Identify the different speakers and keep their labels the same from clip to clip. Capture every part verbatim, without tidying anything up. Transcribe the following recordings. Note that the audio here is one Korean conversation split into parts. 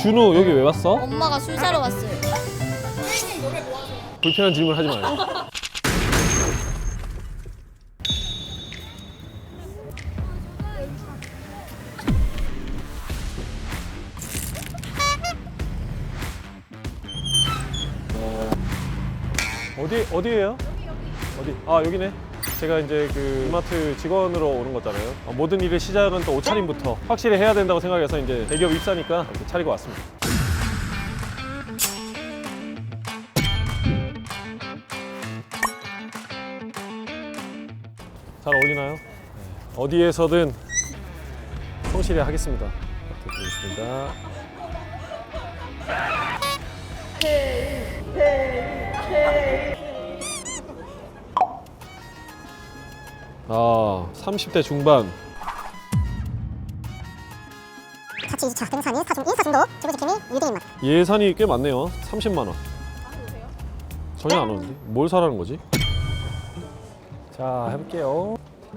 Speaker 1: 준우 여기 왜 왔어?
Speaker 2: 엄마가 술 사러 왔어요.
Speaker 1: 불편한 질문 하지 마요. 어디 어디예요? 어디? 아 여기네. 제가 이제 그 이마트 직원으로 오는 거잖아요. 어, 모든 일의 시작은 또 옷차림부터 확실히 해야 된다고 생각해서 이제 대기업 입사니까 이렇게 차리고 왔습니다. 잘 어울리나요? 네. 어디에서든 성실히 하겠습니다. 부탁드리겠습니다. 아, 삼십 대 중반.
Speaker 3: 자취 이 주차 등산 일 사 중 일 사 중도 지구지킴이 유대인 맛.
Speaker 1: 예산이 꽤 많네요. 삼십만 원. 전혀 안 오는데? 뭘 사라는 거지? 자, 해볼게요.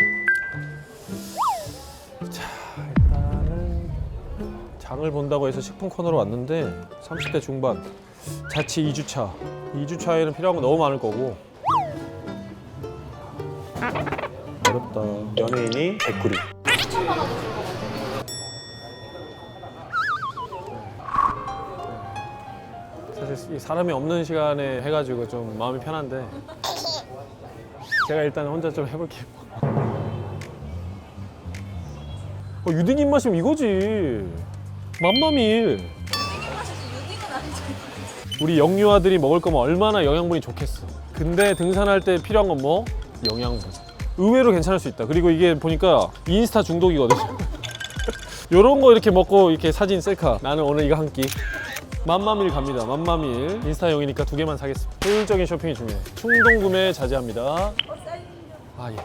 Speaker 1: 자, 일단은 장을 본다고 해서 식품 코너로 왔는데 삼십 대 중반. 자취 이 주차. 이 주차에는 필요한 거 너무 많을 거고. 어렵다. 연예인이 백구리. 사실 사람이 없는 시간에 해가지고 좀 마음이 편한데 제가 일단 혼자 좀 해볼게요. 어, 유딩 입맛이면 이거지. 맘마밀. 우리 영유아들이 먹을 거면 얼마나 영양분이 좋겠어. 근데 등산할 때 필요한 건 뭐? 영양분. 의외로 괜찮을 수 있다. 그리고 이게 보니까 인스타 중독이거든요. 요런 거 이렇게 먹고 이렇게 사진 셀카. 나는 오늘 이거 한 끼. 맘마밀 갑니다. 맘마밀. 인스타용이니까 두 개만 사겠습니다. 효율적인 쇼핑이 중요해. 충동 구매 자제합니다. 아 예.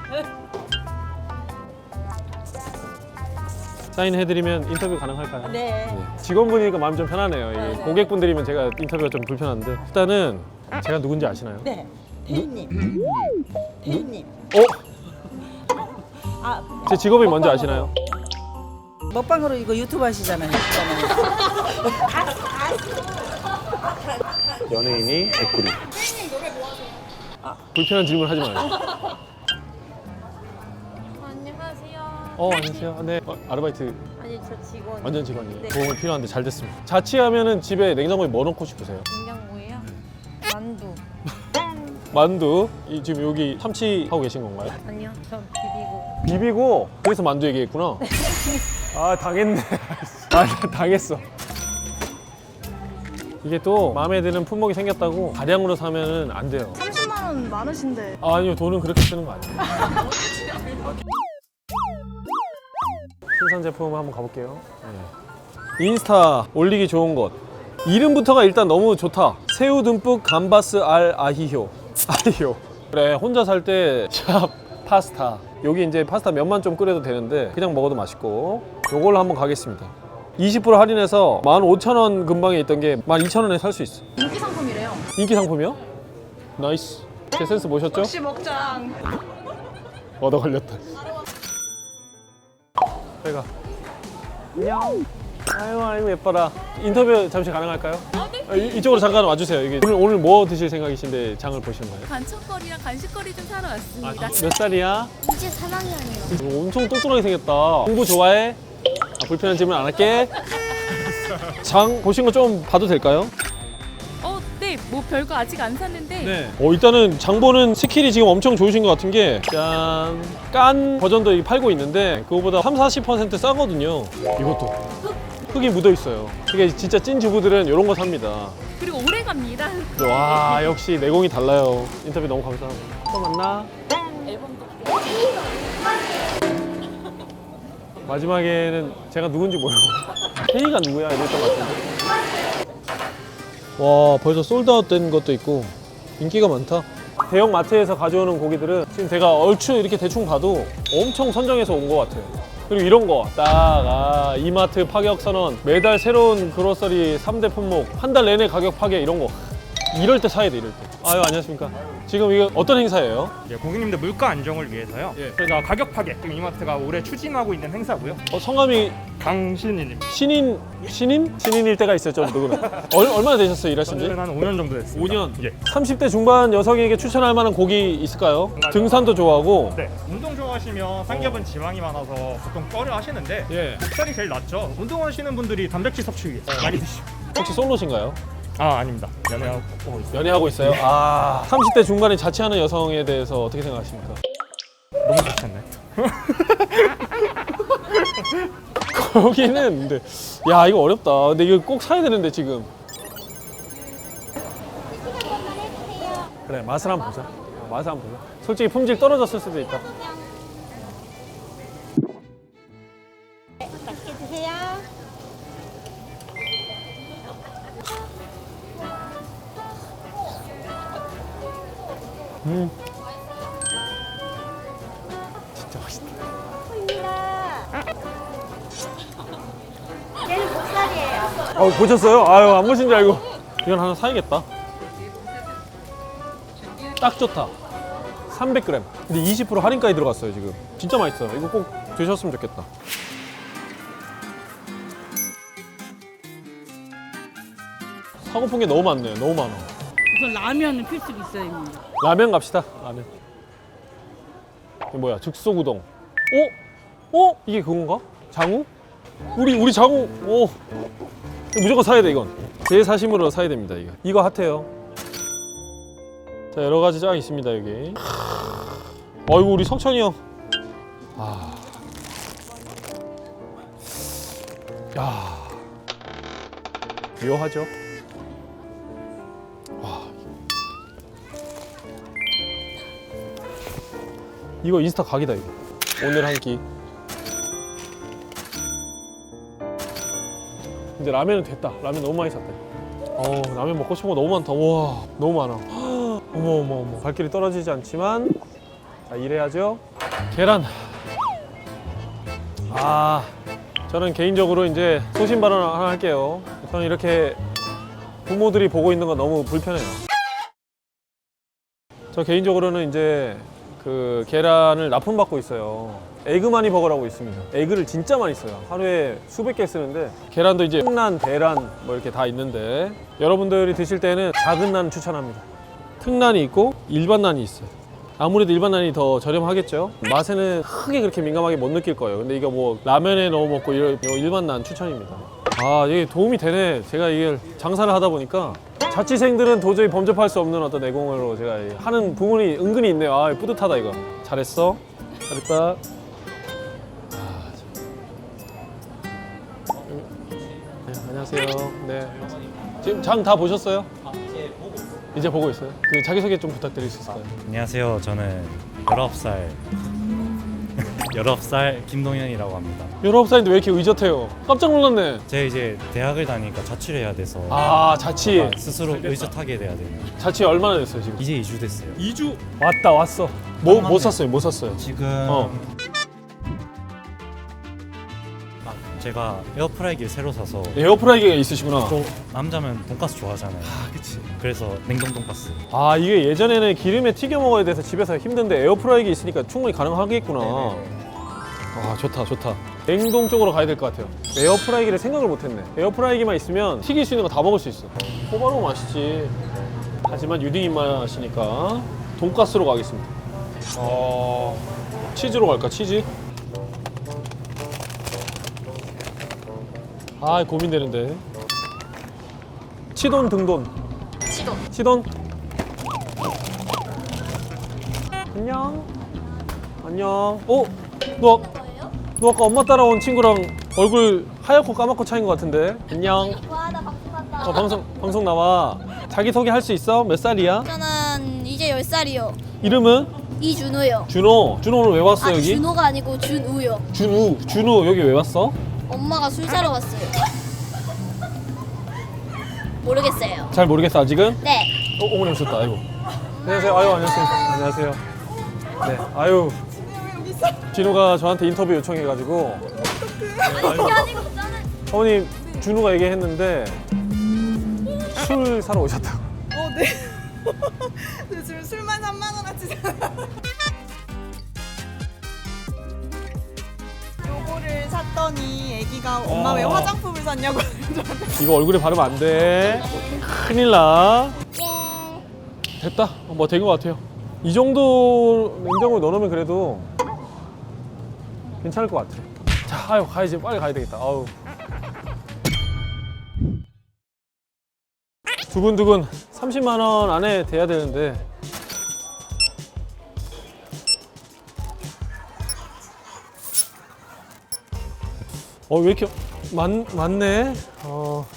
Speaker 1: 사인해드리면 인터뷰 가능할까요?
Speaker 4: 네.
Speaker 1: 네. 직원분이니까 마음이 좀 편하네요. 이게
Speaker 4: 네.
Speaker 1: 고객분들이면 제가 인터뷰가 좀 불편한데 일단은 제가 누군지 아시나요?
Speaker 4: 네. 혜인님. 혜인님.
Speaker 1: 어?
Speaker 4: 아,
Speaker 1: 제 직업이 뭔지 아시나요?
Speaker 4: 먹방으로 이거 유튜브 하시잖아요.
Speaker 1: 연예인이 백구리. 불편한 질문 하지 마요.
Speaker 2: 안녕하세요.
Speaker 1: 어, 안녕하세요. 네. 어, 아르바이트
Speaker 2: 아니 저 직원.
Speaker 1: 완전 직원이에요.
Speaker 2: 네.
Speaker 1: 도움이 필요한데 잘 됐습니다. 자취하면은 집에 냉장고에 뭐 넣고 싶으세요?
Speaker 2: 냉장고예요? 만두.
Speaker 1: 만두. 이, 지금 여기 참치 하고 계신 건가요?
Speaker 2: 아니요. 저 비비고.
Speaker 1: 비비고 그래서 만두 얘기했구나. 아 당했네. 아 당했어. 이게 또 마음에 드는 품목이 생겼다고 다량으로 사면은 안 돼요.
Speaker 5: 삼십만 원 많으신데.
Speaker 1: 아, 아니요, 돈은 그렇게 쓰는 거 아니에요. 신선 제품 한번 가볼게요. 네. 인스타 올리기 좋은 것. 이름부터가 일단 너무 좋다. 새우 듬뿍 감바스 알 아히효. 아히효. 그래, 혼자 살 때 샵 파스타. 여기 이제 파스타 면만 좀 끓여도 되는데 그냥 먹어도 맛있고. 요걸로 한번 가겠습니다. 이십 퍼센트 할인해서 만 오천 원 근방에 있던 게 만 이천 원에 살 수 있어.
Speaker 5: 인기 상품이래요.
Speaker 1: 인기 상품이요? 나이스. 제 센스 보셨죠?
Speaker 5: 역시 먹장.
Speaker 1: 얻어 걸렸다. 제가 안녕. 아유 아유 예뻐라. 인터뷰 잠시 가능할까요? 아, 이, 이쪽으로 잠깐 와주세요. 여기 오늘 오늘 뭐 드실 생각이신데 장을 보시는 거예요?
Speaker 6: 간식거리랑 간식거리 좀 사러
Speaker 1: 아,
Speaker 6: 왔습니다.
Speaker 1: 몇 살이야?
Speaker 2: 이제 삼 학년이요.
Speaker 1: 엄청 똑똑하게 생겼다. 공부 좋아해? 아, 불편한 질문 안 할게. 장 보신 거 좀 봐도 될까요?
Speaker 6: 어, 네, 뭐 별거 아직 안 샀는데
Speaker 1: 네. 어, 일단은 장 보는 스킬이 지금 엄청 좋으신 것 같은 게 짠! 깐 버전도 팔고 있는데 그거보다 삼, 사십 퍼센트 싸거든요. 이것도 흙이 묻어 있어요. 이게 진짜 찐 주부들은 이런 거 삽니다.
Speaker 6: 그리고 오래 갑니다.
Speaker 1: 와, 역시 내공이 달라요. 인터뷰 너무 감사하고. 또 만나.
Speaker 6: 앨범도
Speaker 1: 마지막에는 제가 누군지 모르고 혜이가 누구야 이랬던 것 같은데. 와, 벌써 솔드아웃 된 것도 있고 인기가 많다. 대형 마트에서 가져오는 고기들은 지금 제가 얼추 이렇게 대충 봐도 엄청 선정해서 온 것 같아요. 그리고 이런 거 딱 아, 이마트 파격 선언, 매달 새로운 그로서리 삼 대 품목, 한 달 내내 가격 파괴 이런 거 이럴 때 사야 돼. 이럴 때 아유, 안녕하십니까. 지금 이거 어떤 행사예요?
Speaker 7: 예, 고객님들 물가 안정을 위해서요.
Speaker 1: 예.
Speaker 7: 저희가 가격 파괴 지금 이마트가 올해 추진하고 있는 행사고요.
Speaker 1: 어, 성함이
Speaker 7: 강신희님.
Speaker 1: 신인, 신인? 신인일 때가 있었죠, 누구는. 얼, 얼마나 되셨어요, 일하신 지?
Speaker 7: 저는 한 오 년 정도 됐습니다.
Speaker 1: 오 년?
Speaker 7: 예.
Speaker 1: 삼십 대 중반 여성에게 추천할 만한 곡이 있을까요? 등산도 좋아하고.
Speaker 7: 네. 운동 좋아하시면 삼겹은 지방이 많아서 보통 뼈를 하시는데
Speaker 1: 예.
Speaker 7: 목살이 제일 낫죠. 운동하시는 분들이 단백질 섭취 위해 많이 드시고.
Speaker 1: 혹시 솔로신가요?
Speaker 7: 아 아닙니다. 연애하고 있어요.
Speaker 1: 연애하고 있어요? 아. 삼십 대 중반에 자취하는 여성에 대해서 어떻게 생각하십니까?
Speaker 7: 너무 좋지 않나요?
Speaker 1: 거기는 근데 야 이거 어렵다. 근데 이거 꼭 사야 되는데 지금. 그래 맛을 한번 보자. 어, 맛을 한번 보자. 솔직히 품질 떨어졌을 수도 있다.
Speaker 3: 맛있게 드세요.
Speaker 1: 음. 진짜 맛있다.
Speaker 3: 얘는 목살이에요.
Speaker 1: 어 보셨어요? 아유 안 보신 줄 알고. 이건 하나 사야겠다. 딱 좋다. 삼백 그램. 근데 이십 퍼센트 할인까지 들어갔어요 지금. 진짜 맛있어요. 이거 꼭 드셨으면 좋겠다. 사고픈 게 너무 많네요. 너무 많아.
Speaker 4: 우선 라면은 필수로 있어야 됩니다.
Speaker 1: 라면 갑시다. 라면. 이게 뭐야? 즉석우동. 어? 어? 이게 그건가? 장우? 우리 우리 장우. 오. 이거 무조건 사야 돼 이건. 제 사심으로 사야 됩니다 이거. 이거 핫해요. 자 여러 가지 짱 있습니다 여기. 어이구 우리 석천이 형. 아. 야. 묘하죠? 와. 이거 인스타 각이다 이거. 오늘 한 끼. 근데 라면은 됐다. 라면 너무 많이 샀다. 어 라면 먹고 싶은 거 너무 많다. 와 너무 많아. 헉, 어머 어머 어머. 발길이 떨어지지 않지만 자 일해야죠. 계란. 아 저는 개인적으로 이제 소신 발언 하나 할게요. 저는 이렇게 부모들이 보고 있는 건 너무 불편해요. 저 개인적으로는 이제 그 계란을 납품받고 있어요. 에그마니 버거라고 있습니다. 에그를 진짜 많이 써요. 하루에 수백 개 쓰는데 계란도 이제 특난, 대란 뭐 이렇게 다 있는데 여러분들이 드실 때는 작은 난 추천합니다. 특난이 있고 일반 난이 있어요. 아무래도 일반 난이 더 저렴하겠죠. 맛에는 크게 그렇게 민감하게 못 느낄 거예요. 근데 이거 뭐 라면에 넣어 먹고 이런 일반 난 추천입니다. 아 이게 도움이 되네. 제가 이게 장사를 하다 보니까 자취생들은 도저히 범접할 수 없는 어떤 내공으로 제가 하는 부분이 은근히 있네요. 아 뿌듯하다 이거. 잘했어. 잘했다. 아, 네, 안녕하세요. 네. 지금 장 다 보셨어요? 이제 보고 있어요. 그 자기소개 좀 부탁드릴 수 있을까요?
Speaker 8: 안녕하세요. 저는 열아홉 살 열아홉 살 김동현이라고 합니다.
Speaker 1: 열아홉 살인데 왜 이렇게 의젓해요? 깜짝 놀랐네.
Speaker 8: 제가 이제 대학을 다니니까 자취를 해야 돼서
Speaker 1: 아 자취.
Speaker 8: 약간 스스로 의젓하게 돼야 돼요.
Speaker 1: 자취 얼마나 됐어요 지금?
Speaker 8: 이제 이 주 됐어요.
Speaker 1: 이 주? 왔다 왔어. 뭐,
Speaker 8: 맞네.
Speaker 1: 뭐 샀어요? 뭐 샀어요?
Speaker 8: 지금
Speaker 1: 어.
Speaker 8: 아, 제가 에어프라이기를 새로 사서
Speaker 1: 에어프라이기가 있으시구나.
Speaker 8: 또 남자면 돈가스 좋아하잖아요. 아,
Speaker 1: 그치.
Speaker 8: 그래서 냉동 돈가스.
Speaker 1: 아 이게 예전에는 기름에 튀겨 먹어야 돼서 집에서 힘든데 에어프라이기 있으니까 충분히 가능하겠구나. 아 좋다 좋다. 냉동 쪽으로 가야 될 것 같아요. 에어프라이기를 생각을 못했네. 에어프라이기만 있으면 튀길 수 있는 거 다 먹을 수 있어. 호바로 맛있지. 하지만 유딩 입맛이니까 돈가스로 가겠습니다. 어... 치즈로 갈까 치즈? 아 고민되는데. 치돈 등돈. 치돈. 치돈. 안녕. 안녕. 어? 너, 너 아까 엄마 따라온 친구랑 얼굴 하얗고 까맣고 차인 것 같은데? 안녕.
Speaker 3: 와, 나 방송한다.
Speaker 1: 어, 방송 방송 나와. 자기 소개 할 수 있어? 몇 살이야?
Speaker 9: 저는 이제 열 살이요.
Speaker 1: 이름은?
Speaker 9: 이준우요.
Speaker 1: 준호. 준호 오늘 왜 왔어
Speaker 9: 아,
Speaker 1: 여기?
Speaker 9: 준호가 아니고 준우요.
Speaker 1: 준우. 준우 여기 왜 왔어?
Speaker 9: 엄마가 술 사러 왔어요. 모르겠어요.
Speaker 1: 잘 모르겠어 아직은?
Speaker 9: 네.
Speaker 1: 어, 어머니 오셨다. 아이고. 안녕하세요. 아유 안녕하세요. 안녕하세요. 네. 아유. 진우가 저한테 인터뷰 요청해가지고.
Speaker 9: 아니 그게 아니고 저는
Speaker 1: 어머니 준우가 얘기했는데 술 사러 오셨다고.
Speaker 5: 어, 네. 요즘 술만 삼만 원어치잖아. 요거를 샀더니 애기가 엄마 왜
Speaker 1: 와.
Speaker 5: 화장품을 샀냐고
Speaker 1: 이거 얼굴에 바르면 안 돼. 큰일 나. 됐다. 뭐 된 것 같아요. 이 정도 냉장고에 넣어놓으면 그래도 괜찮을 것 같아. 자, 아유 가야지. 빨리 가야 되겠다. 아우. 두근두근 삼십만 원 안에 돼야 되는데. 어, 왜 이렇게 많, 많네? 어.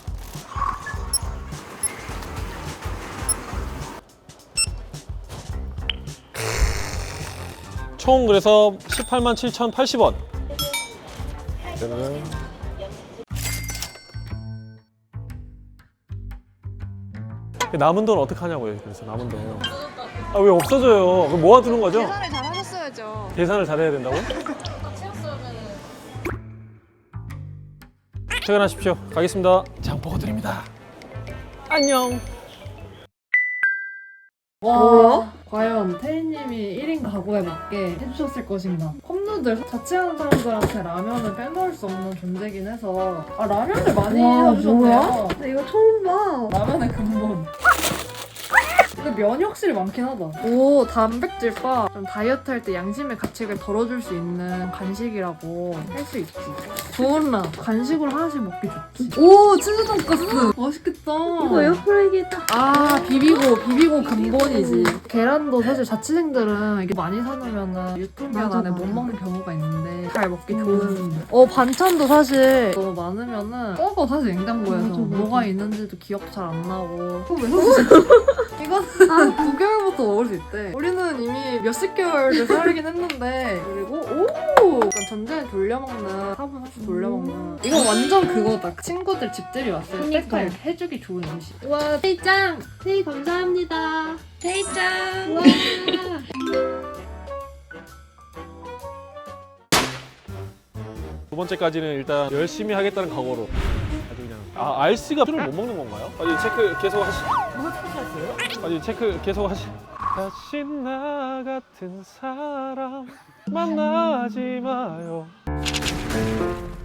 Speaker 1: 총 그래서 십팔만 칠천팔십 원. 남은 돈 어떡하냐고요. 그래서 남은 돈. 아, 왜 없어져요? 그럼 모아두는 거죠?
Speaker 5: 계산을 잘 하셨어야죠.
Speaker 1: 계산을 잘해야 된다고? 퇴근하십시오. 가겠습니다. 장보고 드립니다. 안녕.
Speaker 10: 와, 과연 태희님이 일 인 가구에 맞게 해주셨을 것인가? 컵누들 자취하는 사람들한테 라면을 빼놓을 수 없는 존재긴 해서 아 라면을 많이 해주셨네요. 근데 이거 처음 봐. 라면의 근본. 근데 면이 확실히 많긴 하다. 오, 단백질바. 좀 다이어트 할 때 양심의 가책을 덜어줄 수 있는 간식이라고 할 수 있지. 좋은라. 간식으로 하나씩 먹기 좋지. 오, 치즈 돈까스. 맛있겠다. 이거 에어프라이기다. 아, 비비고, 비비고 근본이지. 계란도 사실 자취생들은 이게 많이 사놓으면 유통기한 안에 못 먹는 경우가 있는데 잘 먹기 좋은. 어, 반찬도 사실 너무 많으면은 썩어, 사실 냉장고에서. 뭐가 있는지도 기억 잘 안 나고. 그거 왜 섞으세요? 이건 아, 구 개월부터 먹을 수 있대. 우리는 이미 몇십 개월을 살긴 했는데. 그리고 오! 약간 전자레인지 돌려먹는, 화분 사실 돌려먹는. 이거 완전 그거다. 친구들 집들이 왔을 때 딱 해주기 좋은 음식. 와, 태희짱! 태희 감사합니다. 태희짱! 와.
Speaker 1: 두 번째까지는 일단 열심히 하겠다는 각오로 아주 그냥. 아, 알씨가 술을 못 먹는 건가요? 아니, 체크 계속 하시. 뭐 체크하세요? 아니, 체크 계속 하시. 다시 나 같은 사람 만나지 마요.